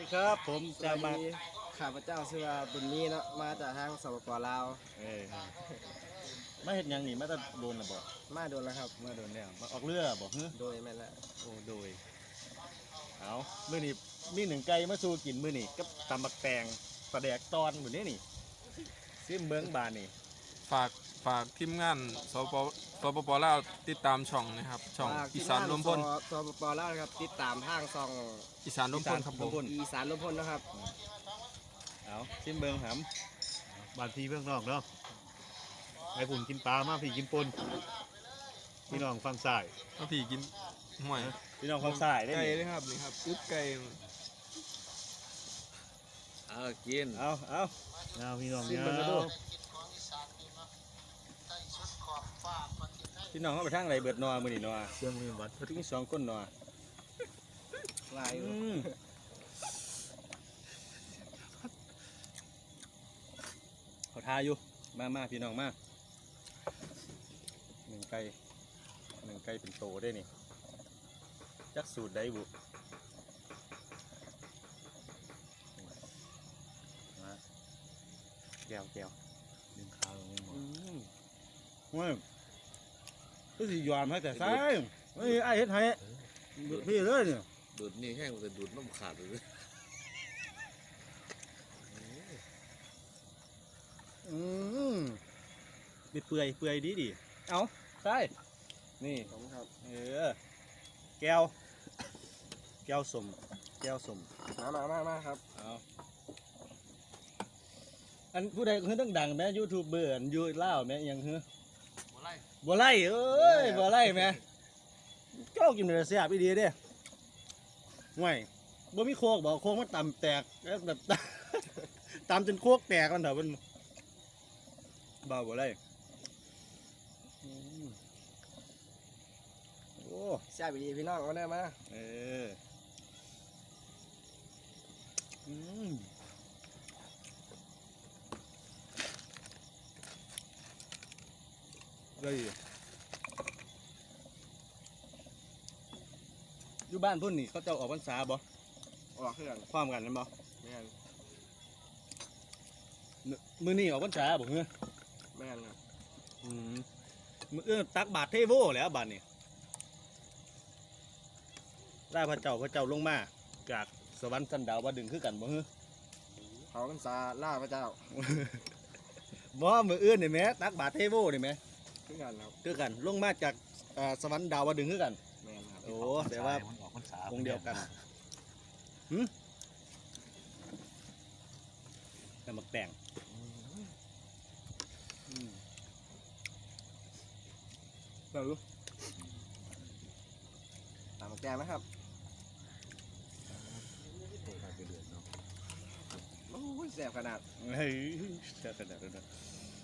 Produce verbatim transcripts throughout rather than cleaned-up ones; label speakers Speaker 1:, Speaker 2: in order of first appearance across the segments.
Speaker 1: ครับผมจะมา
Speaker 2: ข้าพเจ้าชื่อว่าบุญมีเนาะมาจากทางสปปลาว
Speaker 1: เออมาเห็นยังนี่มาจะโดนหรือบ่
Speaker 2: มาโดนแล้วครับ
Speaker 1: มาโดนแล้วมาออกเรือบ่ฮึ
Speaker 2: โดยแม่นละ
Speaker 1: โอ้โดยเอามื้อนี้มีหนึ่งไก่มาสู่กินมื้อนี้กับตำบักแตงปลาแดกตอนมื้อนี้นี่ซิมเมืองบานนี่
Speaker 3: ฝากฝากทีมงานสปสปปลาวติดตามช่องนะครับช่องอีสานรวมพล
Speaker 2: สปปลาวครับติดตามทางซอง
Speaker 3: อีสานรวมพลครับผม
Speaker 2: อีสานรวมพลนะครับ
Speaker 1: เอาซิมเมืองหำ
Speaker 4: บ้านพี่เพื่อนน้องเนาะไอ้ผุ่นกินปลามาพี่กินปนพี่น้องฟังสาย
Speaker 3: ถ้าพี่กินห่วย
Speaker 1: พี่น้องฟังสายได้
Speaker 3: ไก่
Speaker 1: นี่
Speaker 3: เลยครับนี่ครับอึ๊บไก่
Speaker 5: เอากิน
Speaker 1: เอาเอา
Speaker 4: เอาพี่น้อง
Speaker 1: ซิม
Speaker 4: เนี่ย
Speaker 1: เมืองกันดูพี่น้องเขาไปทางไหนเบิดนอมื้อนี้นอ
Speaker 4: เชื่อมือวัด
Speaker 1: ถึงสองคนนอ
Speaker 2: ลาย
Speaker 1: อืมเขาทาอยู่มามาพี่น้องมาหนึ่งไก่หนึ่งไก่เป็นโตได้นี่จักสูตรได้บุมาแก้วแก้ว
Speaker 4: ดึงขาลงหมด
Speaker 1: อืมเว้ยก็สิยอมให้แต่ใส่เฮ้ยไอ้เฮ็ดให้พี่เลยเนี่ย
Speaker 5: ดูดนี่แห้งแต่ดูดน้ำขาดเลย
Speaker 1: อืมดิเปื่อยเปื่อยดีดีเอาใช่นี่
Speaker 2: ผมครับ
Speaker 1: เออแก้วแก้วสมแก้วสม
Speaker 2: มามามามาครับ
Speaker 1: เอาอันผู้ใดคือต้องดังแม่ยูทูบเบอร์ยูเล่าแม่ยังคือ
Speaker 5: บัวไล่
Speaker 1: บัวไล่เอ้ยบัวไล่แม่เจ้ากินเนื้อเสียบอีดีเด้ห่วยบ่มีโคกบอกโคกมันต่ำแตกแล้วแบบ ตำจนโคกแตกมันเถอะมันบ้าบัวไล่อืมโอ้
Speaker 2: แซ่บดีพี่น้องเอาได้มา
Speaker 1: เอออืมเลยอยู่บ้านพุ่นนี่เขาเจ้าออกพรรษาบ่
Speaker 2: ออกเครื่อง
Speaker 1: ความกันนั่นบ่
Speaker 2: แม่น
Speaker 1: มื้อมื้อนี้ออกพรรษาบ่เฮ้อ
Speaker 2: แม่นครับ
Speaker 1: อืมมื้อเออตักบาตรเทโวแล้วบาดนี้ล่าพระเจ้าพระเจ้าลงมาจากสวรรค์สันดาวว่าดึงคือกันบ่เฮ้อ
Speaker 2: เขาพรรษาล่าพระเจ้า
Speaker 1: บ่มื้ออื่นนี่แหมตักบาตรเทโวนี่แหม
Speaker 2: คือกันครับ
Speaker 1: คือกันลงมาจากเอ่อสวรรค์ดาวดึงคือกัน
Speaker 2: แม่นครับ
Speaker 1: โอ้แต่ว่า
Speaker 4: มันออกพรรษา
Speaker 1: องค์เดียวกันหืมแต่หมักแต่งเรารู้
Speaker 2: ตามแกงนะครับโอ้ยแซ่บขนาด
Speaker 1: เฮ้ยเสียขนาดนั้นนะ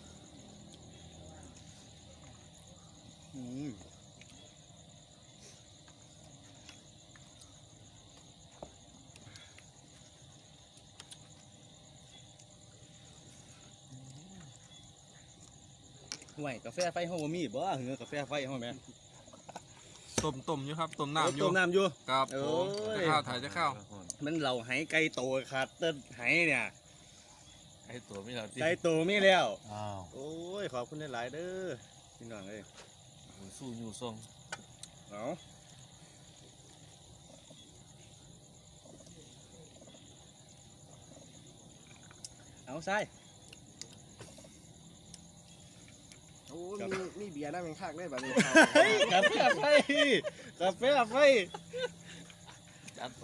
Speaker 1: อืมห่วยกาแฟไฟห้องบ่มีบ่เหงือกาแฟไฟห้องแม่
Speaker 3: ต้มต้มอยู่ครับต้มน้ำอยู่
Speaker 1: ต้มน้ำอยู่
Speaker 3: ครับ
Speaker 1: โอ้
Speaker 3: ผม
Speaker 1: ย
Speaker 3: จะข้าวถ่ายจะข้าว
Speaker 1: มันเหล่าไหไก่โตขาดเต้นไหเนี่ย
Speaker 5: ไอ้ตัวไม่เราที่
Speaker 1: ไก่โตมีแล้ว
Speaker 4: อ้าว
Speaker 1: โอ้ยขอบคุณหลายๆเด้อพี่น้องเอ้ย
Speaker 5: สู้อยู่ทรง
Speaker 1: เอาเอาใส่
Speaker 2: โอ้ยมีมีเบียร์น้ำแข็งคักได้แบบนี้
Speaker 1: เฮ้ยกาแฟไฟกาแฟไฟ
Speaker 5: จัดไป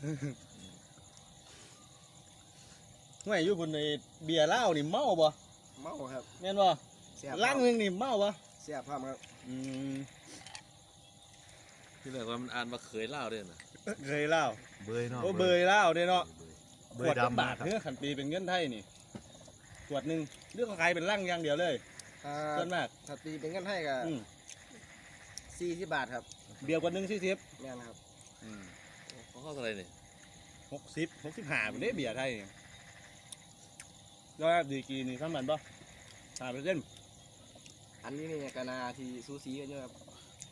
Speaker 1: ห่วยอยู่บนในเบียร์เหล้านี่เมาบ่
Speaker 2: เมาครับ
Speaker 1: แม่นบ่
Speaker 2: แซ่บ
Speaker 1: ลังหนึงนี่เมาบ่
Speaker 2: แซ่บพร้อมครับ
Speaker 1: อืม
Speaker 5: ที่เหลือว่ามันอ่านมาเคยเล่าด้วยนะ
Speaker 1: เคยเหล้า
Speaker 4: เบยเนาะ
Speaker 1: โอ้เบยเหล้าเด้เนาะ
Speaker 4: เบ
Speaker 1: ขวย ดละ
Speaker 4: ดำ
Speaker 1: บาทเนื้อขันปีเป็นเงินไทยนี่ขวดหนึ่งเรื่องขายเป็นลังอย่างเดียวเลย
Speaker 2: ถ้า
Speaker 1: ส่วนมาก
Speaker 2: ถ้าตีเป็นเงินให้ก็
Speaker 1: อืม
Speaker 2: สี่สิบบาทครับ
Speaker 1: เบียร์ขวดหนึ่งสี่สิบ
Speaker 2: แม่นครับ
Speaker 5: เขาเข้าอะไรเนี่ย
Speaker 1: หกสิบหกสิบห้าเป็นได้เบียร์ไทยนี่แล้วดีกรีนี่สำคัญป่ะห้าเปอร์เซ็นต์
Speaker 2: อันนี้นี่กนาที่ซูซีกันอยู่ครับ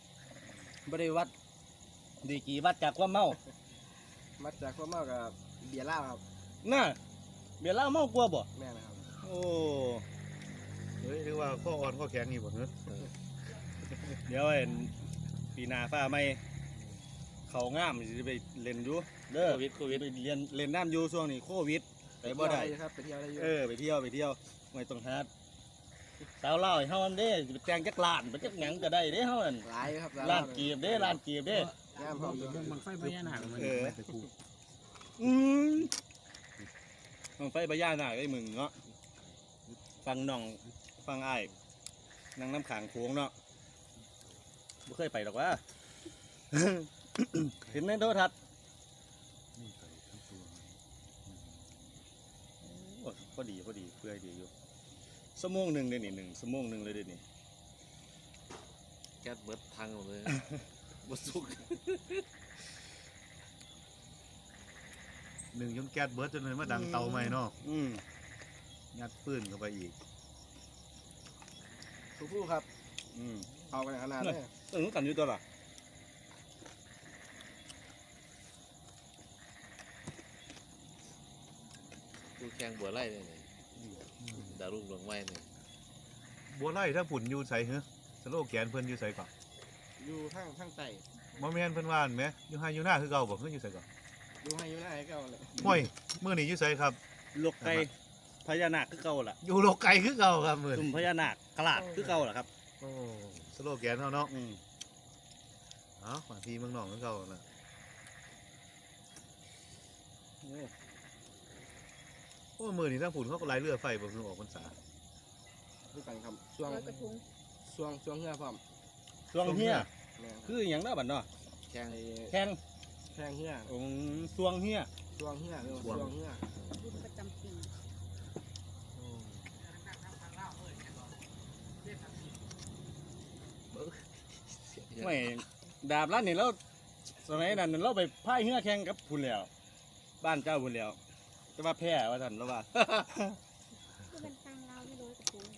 Speaker 1: บริวัดดีกรีวัดจากความเมา
Speaker 2: มาจากพวกเมากับบียร์เหล้าครับ
Speaker 1: น่ะเบียร์เหล้าเมากลัวบ่
Speaker 2: แม่นะครับ
Speaker 1: โอ้
Speaker 4: เฮ้ยเรียกว่าข้ออ่อนข้อแข็งนี่บ่เนอะ
Speaker 1: เดี๋ยวไอ้ปีหน้าฟ้าใหม่เขางามสิไปเล่นอยู่เด้อ
Speaker 5: โควิดโควิด
Speaker 1: ไปเรียนเล่นน้ำอยู่ช่วงนี้โควิดไปบ่ได้
Speaker 2: เที่ยวครับไปเที่ยวได้อยู่
Speaker 1: เออไปเที่ยวไปเที่ยวไม่ต้องหาสาวเล่าให้เฮาอันเด้สิไปแต่งจักล้านไปจักหยังก็ได้เด้เฮานั่น
Speaker 2: หลายครับ
Speaker 1: ล้านกีบเด้ล้านกีบเด้
Speaker 2: งามพร้อมอยู่
Speaker 6: บังไฟพญานาคมัน
Speaker 1: เอออืมต้องไฟพญานาคไอ้มึงเนาะฟังน้องฟังอ้ายนั่งน้ำขางโค้งเนาะบ่เคยไปหรอกว่า เห็นในโทรทัศน์โอ้พอดีพอดีเพื่อดีอยู่ชั่วโมงหนึ่งเดี๋ยวนี้หนึ่งชั่วโมงหนึ่งเลยเดี๋ยวนี้
Speaker 5: แก๊สเบิดพังหมดเลยบ่สุก
Speaker 4: หนึ่งยนแก๊สเบิร์ดจนเลยมาดังเตาใหม่เนาะ
Speaker 1: อืม
Speaker 4: ยัดปืนเข้าไปอีก
Speaker 2: สู้ๆครับ
Speaker 1: อืม
Speaker 2: เอากันขนาดนี้
Speaker 1: เออกันอยู่ตัวละ
Speaker 5: กูแข่งบัวไล่เลยนี่ดารุ่งดวงไม้นี่
Speaker 4: บัวไล่ถ้าผุ่นอยู่ใส่เหรอสโลแกนเพิ่นอยู่ใส่ก่อน
Speaker 2: อยู่ข้างข้างใต้
Speaker 4: บ่แม่นเพิ่นว่าหั่นแหมอยู่ให้อยู่หน้าคือเก่าบ่เพิ่นอยู่ใส่ก่อน
Speaker 2: อยู่ให้อยู่หน้าให้เก่าเลย
Speaker 4: ห้อยมื้อนี้อยู่ใส่ครับ
Speaker 1: ลูกไก่พญานาคคือเก่าล่ะ
Speaker 4: อยู่โลกไก่คือเก่าครับมื้อ
Speaker 1: ตุ่
Speaker 4: นี้
Speaker 1: มพญานาคกลาดคือเก่าล่ะครับ
Speaker 4: โอ้สโลแกนเฮาเนาะ
Speaker 1: อืม
Speaker 4: เอ้าบางทีเมืองนอกคือเก่าน่ะ
Speaker 1: โอ้
Speaker 4: โอ้มื้อนี้ทางผุ่นเขาก็ไล่เรือไฟบ่คือออกพรรษา
Speaker 2: ด้วยกันครับช่วง
Speaker 7: ลอยกระทง
Speaker 2: ช่วงช่วงเหือพร้อม
Speaker 1: ช่วงเฮีย
Speaker 2: แม่น
Speaker 1: คืออหย่างนั้นบัดเนาะ
Speaker 5: แข่ง
Speaker 2: ไอ้
Speaker 1: แข้ง
Speaker 2: แข้งเหือ
Speaker 1: อืมช่วงเฮีย
Speaker 2: ช่วงเหือเออช่วงเหือ
Speaker 7: บุญประจำปี
Speaker 1: ไม่ดาบร้านนี่เราสมัยนั้นเราไปพายเฮือแข่งกับพุ่นแล้ว บ้านเจ้าพุ่นแล้วจะว่าแพ้ว่าท่านเราว่า
Speaker 7: ก็เป็นทางเราไม่ลอยกระทง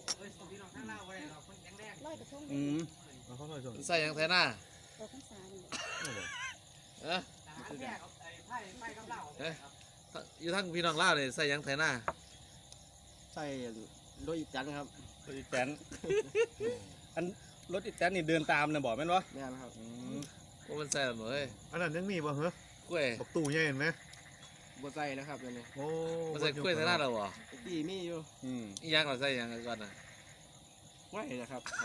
Speaker 7: ลอยกระทง
Speaker 1: อืม
Speaker 4: เอาเขาหน่อยส่ง
Speaker 5: ใส่หยังไทยหน้า
Speaker 7: เราทั้งสามนี่
Speaker 5: เอะเอ๊ะอยู่ทั้งพี่น้องลาวนี่ใส่หยังไทยหน้า
Speaker 2: ใส่โดยอีจันครับ
Speaker 1: รถอีแตนอันรถอีแตนนี่เดินตามนะบอกแม่นวะ
Speaker 2: แม่นครับ
Speaker 1: อืม
Speaker 5: โอ้มันใส่หมดเลย
Speaker 4: อันนั้นยังมีบ่เหรอก
Speaker 5: ล้วย
Speaker 4: บักตู้ใหญ่เห็นไหม
Speaker 2: บ่ใส่นะครับเดี๋ยวนี้
Speaker 4: โอ้
Speaker 5: มันใส่กล้วยไทยหน้าเราบ่
Speaker 2: ตีมีอยู่
Speaker 1: อืม
Speaker 5: อีหยังเราใส่หยังก่อนน่ะ
Speaker 2: ไว้นะครับใส่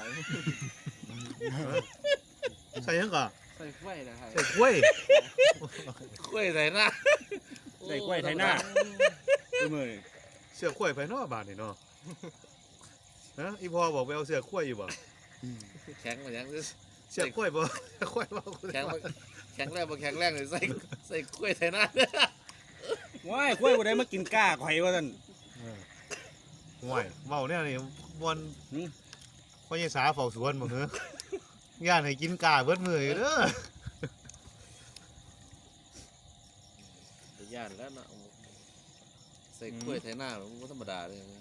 Speaker 4: ใส่ยังก่อน
Speaker 2: ใส่ไว้นะครับ
Speaker 4: ใส่กล้วย
Speaker 5: กล้วยไทยหน้า
Speaker 1: ใส่กล้วยไทยหน้าดูมือนี่
Speaker 4: เสือกล้วยไปเนาะบาทนี่เนาะฮะอีพ่อบอกไปเอาเสือกล้วยอยู่บ่
Speaker 5: แข็งมาหยัง
Speaker 4: เสือกล้วยบ่เสือกล้วยบ่
Speaker 5: แข็งบ่แข็งแรงบ่แข็งแรงเลยใส่ใส่กล้วยไทยหน้า
Speaker 1: ว้ายกล้วยบ่ได้มากินก้าข่อยว่าท่าน
Speaker 4: เออห่วยเมาเนี่ยนี่วัน
Speaker 1: หืม
Speaker 4: พ่อใหญ่สาเฝ้าสวนบ่เหรอย่านให้กินกาเบิดมื้ออยู่เด้อ
Speaker 5: แต่ย่านแล้วเนาะใส่กล้วยไทยหน้ามันบ่ธรรมดาเลยนะ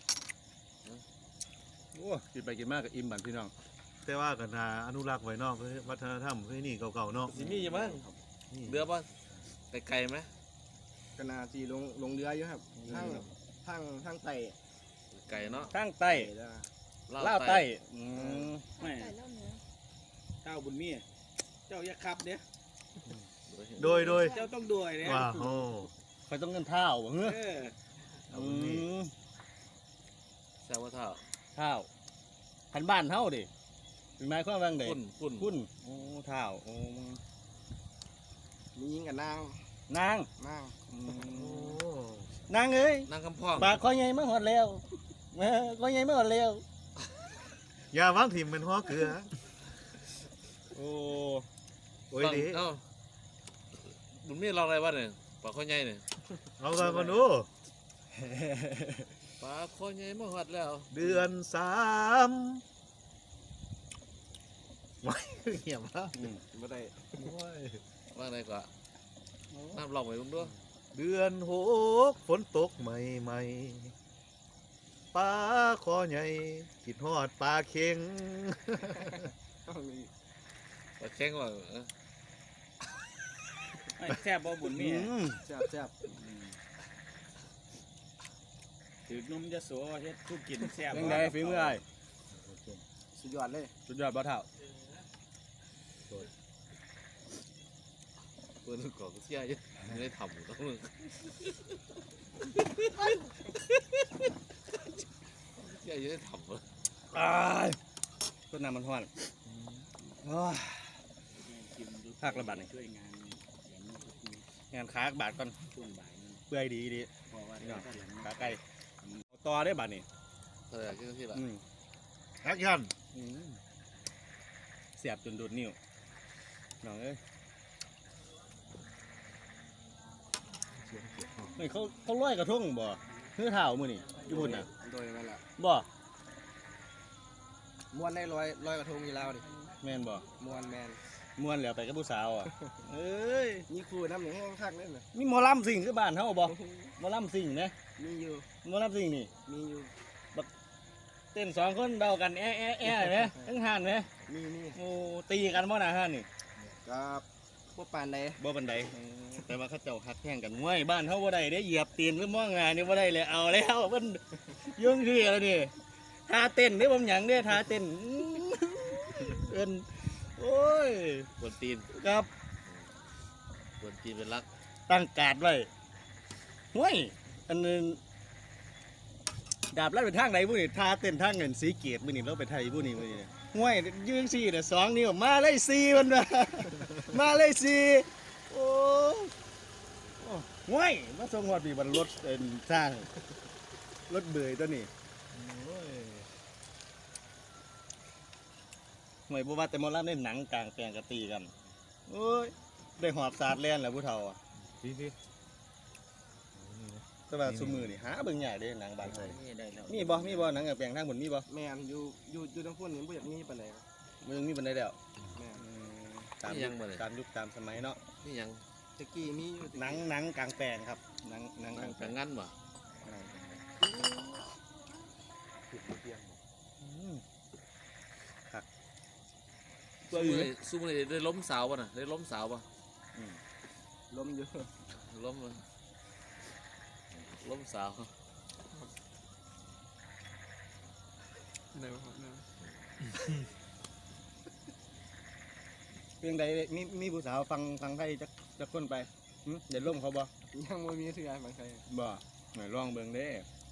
Speaker 1: โอ้กินไปกินมากกับอิ่มบันพี่น้อง
Speaker 4: แต่ว่าก็น่าอนุรักษ์ไว้เนาะเพื่อวัฒนธรรมเพื่อนี่เก่าๆเนาะ
Speaker 5: สิมีอยู่มั้ง
Speaker 4: นี่
Speaker 5: เรือบ่ไปไกลไหม
Speaker 2: กนาจีลงลงเรืออยู่ครับทั้งทั้งทั้งไต่
Speaker 5: ไกลเนาะ
Speaker 1: ข้างใต้
Speaker 2: แล้ว
Speaker 1: ล่าวใต้อืม
Speaker 7: ใส่เล่าเนื้อ
Speaker 1: เจ้าบุญมีเจ้าอย่าขับเด้
Speaker 4: โดยโดย
Speaker 1: เจ้าต้องด้วยเนี่ย
Speaker 4: ว่าโอ้
Speaker 1: คอยต้องเงินเท้าบ่เฮ้อ
Speaker 4: เอา
Speaker 1: อื
Speaker 4: บุญมี
Speaker 1: ม
Speaker 5: แซวว่าเท่า
Speaker 1: เท้าคันบ้านเฮาดิเป็นไม้ข้อวางเด็
Speaker 5: คุณคุณ
Speaker 1: คุณโอ้เท้าโอ้
Speaker 2: มียิงกับนาง
Speaker 1: นาง
Speaker 2: นาง
Speaker 1: อื
Speaker 4: โอ้
Speaker 1: มนางเอ้ย
Speaker 5: นางคำพ่อง
Speaker 1: ปากคอยใหญ่มาหอดแล้วเออคอยใหญ่มาหอดแล้ว
Speaker 4: อย่าวางถิ่มเป็นหัวเกลือ
Speaker 1: โอ้
Speaker 4: โอ้ยดี
Speaker 5: เอ้าบุญมีเราอะไรวะเนี่ยปลาข้อใหญ่เนี่ย
Speaker 4: เอากันมาดู
Speaker 5: ปลาข้อใหญ่มาหอดแล้ว
Speaker 4: เดือนสามไว้เหี้ยมาก
Speaker 1: อืม
Speaker 2: บ่ได้
Speaker 5: ว่าไงกว่าน้ำลองไปลุงด้วย
Speaker 4: เดือนหกฝนตกใหม่ใหม่ๆปลาคอใหญ่คิดฮอดปลาเค็ง
Speaker 2: ต้องมี
Speaker 5: ปลาแข็งว่าเออ
Speaker 1: แซ่บบ่บุญมี
Speaker 2: แซ่บแซ่บ
Speaker 1: อืม
Speaker 5: ถือนมจะโสเฮ็ดทุกกินแซ่บ
Speaker 1: ยังไงฝีมือไอ้
Speaker 2: สุดยอดเลย
Speaker 1: สุดยอดบ่เท่า
Speaker 5: เปิดกอกเสียเยอะไม่ได้ทำต้องมึงเสียเยอะได้ทำเหรอ
Speaker 1: อ้ายต้นน้ำมันห้อนโอ้ยภาคระบาดนี่
Speaker 5: ช่วยงาน
Speaker 1: งานค้าบาทก่อน
Speaker 5: ช่วงบ่ายนั่น
Speaker 1: เปื่อยดีดี
Speaker 5: เพราะว่า
Speaker 1: เนาะ
Speaker 5: ถ้าหลัง
Speaker 1: ขาไก่เอาต่อได้บาทนี่
Speaker 5: เออที่ที่ละ
Speaker 1: อืม
Speaker 4: แอคชั่น
Speaker 1: อืมเสียบจนโดดนิ้วน้องเอ้ยไม่เขาเขาลอยกระทงบ่เพื่อเท้ามือนี่อยู่บนน่ะ
Speaker 2: โดยนั่นแหละ
Speaker 1: บ่
Speaker 2: ม้วนได้ร้อยร้อยกระทงอยู่แล้วดิ
Speaker 1: แม่นบ่
Speaker 2: ม้วนแมน
Speaker 1: ม่วนแล้วไปกับผู้สาวอ่ะ เอ้ย
Speaker 2: นี่ครูน้ำหนึ่งแห้งคักเลยนะ
Speaker 1: มีหมอลำสิ่งคือบ้านเฮาบ่หมอลำสิ่งนะ
Speaker 2: มีอยู่
Speaker 1: หมอลำสิ่งนี่
Speaker 2: มีอยู่
Speaker 1: เต้นสองคนเดากันแอะแอะแอะไหมทั้งหันไหม
Speaker 2: มีมี
Speaker 1: โอ้ตีกันบ่น่ะฮันนี่
Speaker 2: กับพวกปานใด
Speaker 1: บ่บันไดแต่ว่าเขาเจ้าฮักแข่งกันง่วยบ้านเฮาบ่ได้ได้เหยียบตีนหรือมองงานนี่บ่ได้เลยเอาแล้วเพิ่นยุ่งที่แล้วนี่ท่าเต้นนี่ผมหยังเด้ท่าเต้นอื้อเอิ้นโอ้ย
Speaker 5: บนตีน
Speaker 1: ครับ
Speaker 5: บนตีนเป็นรัก
Speaker 1: ตั้งการ์ดไว้ห้วยอันนึงดาบลั่นไปทางไหนบุนี่ท่าเต้นทางเงินสีเกียรติบุนี่เราไปไทยบุนี่บุนี่ห้วยยืนสี่เนี่ยสองนิ้วมาเลยสี่มันมามาเลยสี่โอ้โอ้ห้วยมาส่งหอดปีบันรถเป็นสร้างรถเบยตัวนี้ห้วยบัว่าแต่หมอลำเล่นหนังกลางแปลงกะตีกันโอ้ยได้หอบสาดแล่นแล้วผู้เฒ่าอ่ะ
Speaker 4: พี่พี่
Speaker 1: แต่ว่าซุมือนี่หาเบิ่งใหญ่เด้หนังบ้านเฮา
Speaker 5: นี่ได้แล้ว
Speaker 1: มีบ่มีบ่หนังกลางแปลงทางบนมีบ่
Speaker 2: แมนอยู่อยู่อยู่ทั้งพวกนี้ไม่อยากมีปานใดครับ
Speaker 1: มันยังมีบันไดแล้ว
Speaker 2: แมน
Speaker 1: ตามยุคตามยุคตามสมัยเนาะ
Speaker 5: นี่ยัง
Speaker 2: ตะกี้มีอยู่ตะกี้
Speaker 1: หนังหนังกลางแปลงครับหนังหนังก
Speaker 5: นั่
Speaker 1: ลาง งแปล
Speaker 5: แต่
Speaker 1: ง
Speaker 5: งั้นบ่
Speaker 1: ตัว
Speaker 5: สู้
Speaker 1: อื่น
Speaker 5: เลยสู้เลยได้ล้มสาวป่ะน่ะได้ล้มสาวป่ะ
Speaker 2: ล้มอยู่
Speaker 5: ล้มเลยล้มสาว
Speaker 3: เดี๋ยวครับเนี่ย
Speaker 1: เพียงใดมีมีผู้สาวฟังฟังไทยจักจักคนไปหึเดี๋ยวล่มเขาบ่
Speaker 2: ยังไม่มีเถื่อนบางใคร
Speaker 1: บ่หน่อยลองเบิ่งเด้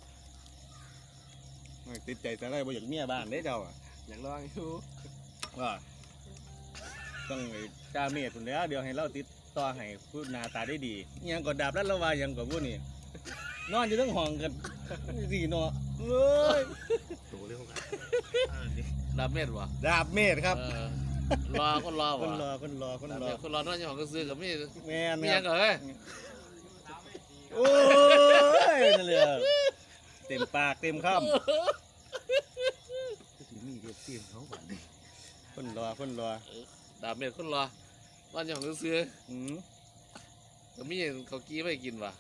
Speaker 1: หน่อยติดใจแต่ไรบ่อยากเมียบ้านเด้เจ้าอะ
Speaker 2: อยากลองอยู่
Speaker 1: ว่าต้องไอ้จ้าเมียพุ่นแหล้วเดี๋ยวให้เราติดต่อให้ผู้หน้าตาได้ดีอิหยังก็ดาบแล้วละว่าอิหยังก็บ่นี่นอนอยู่ทั้งห้องกันสิเนาะเอ้ย
Speaker 4: ตัวเร็วกัน
Speaker 5: ดาบเม็ดบ่
Speaker 1: ดาบเมธครับ
Speaker 5: เออรอคนรอ
Speaker 1: ค
Speaker 5: บ่
Speaker 1: นรอคนรอคน
Speaker 5: ดาบ
Speaker 1: รอ
Speaker 5: เม็ดคนรอน้อยอย่างของก็ซื้อกับมี
Speaker 1: แม่น
Speaker 5: มี
Speaker 1: ค
Speaker 5: ยั
Speaker 1: รับ
Speaker 5: งก็เฮ้ย
Speaker 1: โอ้ยนั่นเลยอะเต็มปากเต็มค
Speaker 4: สิมีเด็กเตรียมเขาก่อน
Speaker 1: ำคนรอคนรอ
Speaker 5: ดาบเม็ดคนรอน้อยอย่างของก็ซื้อ
Speaker 1: อืม
Speaker 5: ก็มีเขากี้ไม่กินว่ะ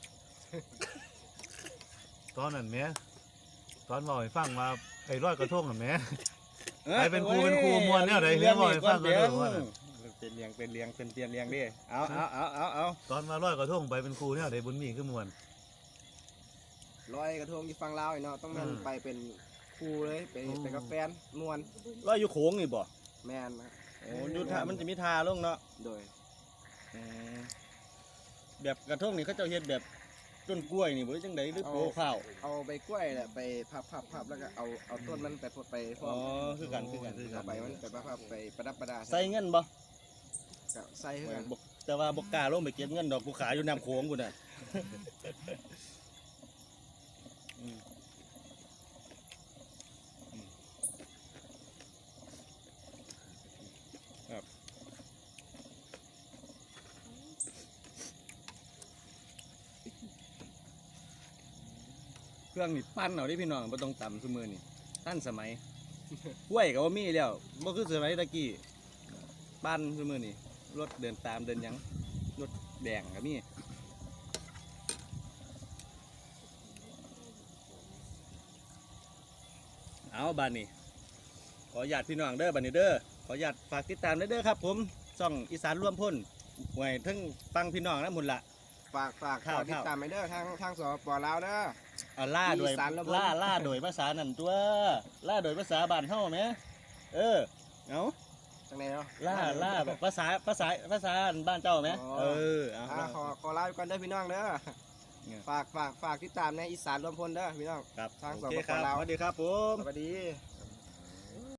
Speaker 4: ตอนนั้นแหม่ตอนบอกให้ฟังว่าไอ้ร้อยกระทงน่ะแหม่ ไปเป็นครู
Speaker 1: อ้ย
Speaker 4: เป็นครูม่วนแนวใดเรียนบ่ให้ฟังกันเด้อว่าน่ะ
Speaker 1: เป็นเลี้ยงเป็นเลี้ยงเป็นเตียนเลี้ยงดิเอาเอาเอาเอาเอา
Speaker 4: ตอนมาร้อยกระทงไปเป็นครูเนี่ยได้บุญมีคือมวน
Speaker 2: ลอยกระทงที่ฟังลาวไอ้เนาะต้องแม่น
Speaker 4: อืม
Speaker 2: ไปเป็นครูเลยไป
Speaker 4: อืม
Speaker 2: ไปกับแฟนมวน
Speaker 1: ลอยอยู่โค้งนี่บ่
Speaker 2: แมนนะ
Speaker 1: โอ้อยูทามันจะมีทาลงเนาะ
Speaker 2: โดย
Speaker 1: อืมแบบกระทงนี่เขาเจ้าเฮ็ดแบบต้นกล้วยนี่บ่ได้จังไดหรือโปข้าว
Speaker 2: เอาใบกล้วยแหละไปพับพับพับแล้วก็เอาเอาต้นมันไปพดไปพร้
Speaker 1: อ๋
Speaker 2: อ
Speaker 1: อ
Speaker 2: ม
Speaker 1: คือกันคือกันคือกั
Speaker 2: เอา
Speaker 1: น
Speaker 2: ใบมันไปพับพับไปประดับประดา
Speaker 1: ใส่เงินบ่
Speaker 2: ก็ใส่ให้กัน
Speaker 1: บ่แต่ว่าบ่กล้าลงไปเก็บเงินดอกกูขายอยู่น้ำโขงกูน่ะอืมอืมครับเครื่องนี่ปั้นเอาได้พี่น้องบ่ต้องต่ำซุมือนี่ตั้นสมัย กล้วยก็บ่มีแล้วบ่คือสมัยตะกี้ปั้นซุมือนี่รถเดินตามเดินหยังรถแดงก็มีเอาบานนี้ขออนุญาตพี่น้องเด้อบานนี้เด้อขออนุญาตฝากติดตามเด้อครับผมช่องอีสานร่วมพ้นไว้ทั้งฟังพี่น้องนะหมุนละ
Speaker 2: ฝากฝาก
Speaker 1: ครับ
Speaker 2: ฝากติดตามไปเด้อทางทางสปลาวเด้อ
Speaker 1: อ่าล่าโดย
Speaker 2: อีสานแล้วบ่
Speaker 1: ล่าล่าโดยภาษานั่นตัวล่าโดยภาษาบ้านเฮาไหมเออเอา
Speaker 2: จังไหนเนาะ
Speaker 1: ล่าล่าแบบภาษาภาษาภาษาบ้านเจ้าไหม
Speaker 2: อ๋อ
Speaker 1: เออเอา
Speaker 2: อ่าขอขอลาไปก่อนเด้อพี่น้องเด้อ
Speaker 1: เนี่ย
Speaker 2: ฝากฝากฝากติดตามในอีสานรวมพลเด้อพี่น้อง
Speaker 1: ครับ
Speaker 2: ทาง
Speaker 1: โอ
Speaker 2: สป
Speaker 1: เคครับ
Speaker 2: ลาว
Speaker 1: สวัสดีครับผม
Speaker 2: สวัสดี